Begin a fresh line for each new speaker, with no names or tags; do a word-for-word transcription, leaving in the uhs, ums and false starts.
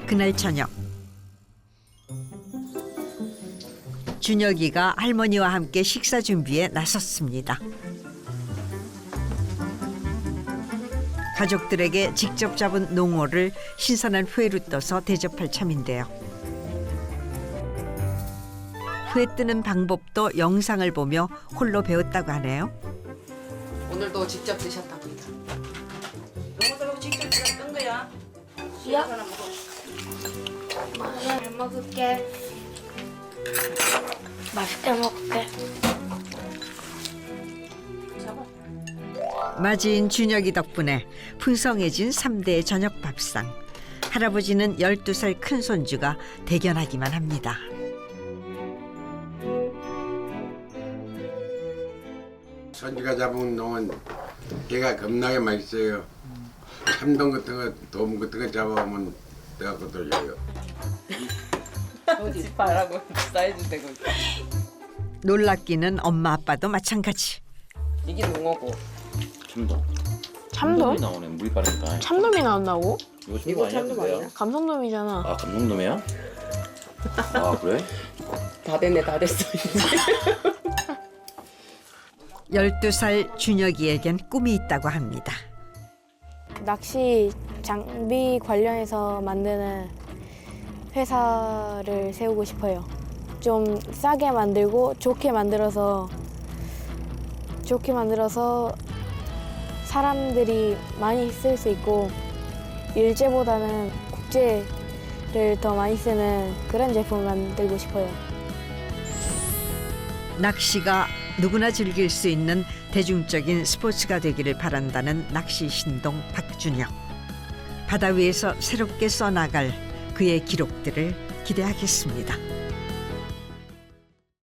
그날 저녁 준혁이가 할머니와 함께 식사 준비에 나섰습니다. 가족들에게 직접 잡은 농어를 신선한 회로 떠서 대접할 참인데요. 회 뜨는 방법도 영상을 보며 홀로 배웠다고 하네요.
오늘도 직접 드셨답니다.
농어도 직접 뜬 거야?
야.
하나 먹어.
잘 먹을게. 맛있게 먹을게.
잡아.
맞이인 준혁이 덕분에 풍성해진 삼 대 저녁 밥상. 할아버지는 열두 살 큰 손주가 대견하기만 합니다.
손주가 잡은 농은 걔가 겁나게 맛있어요. 참돔 같은 거, 도움 같은 거 잡아오면 내가 그것도 줘요.
어디 바라고 사이즈 되고 있다.
놀랍기는 엄마 아빠도 마찬가지.
이게 농어고.
참돔.
참돔?
나오네. 물이 빠르니까.
참돔이 나온다고?
이거 참돔
이거
아니야?
참돔
그거야?
아니야?
감성돔이잖아.
아 감성돔이야? 아 그래?
다 됐네, 다 됐어.
열두 살 준혁이에겐 꿈이 있다고 합니다.
낚시 장비 관련해서 만드는 회사를 세우고 싶어요. 좀 싸게 만들고 좋게 만들어서 좋게 만들어서 사람들이 많이 쓸 수 있고 일제보다는 국제를 더 많이 쓰는 그런 제품을 만들고 싶어요.
낚시가 누구나 즐길 수 있는 대중적인 스포츠가 되기를 바란다는 낚시 신동 박준혁. 바다 위에서 새롭게 써나갈 그의 기록들을 기대하겠습니다.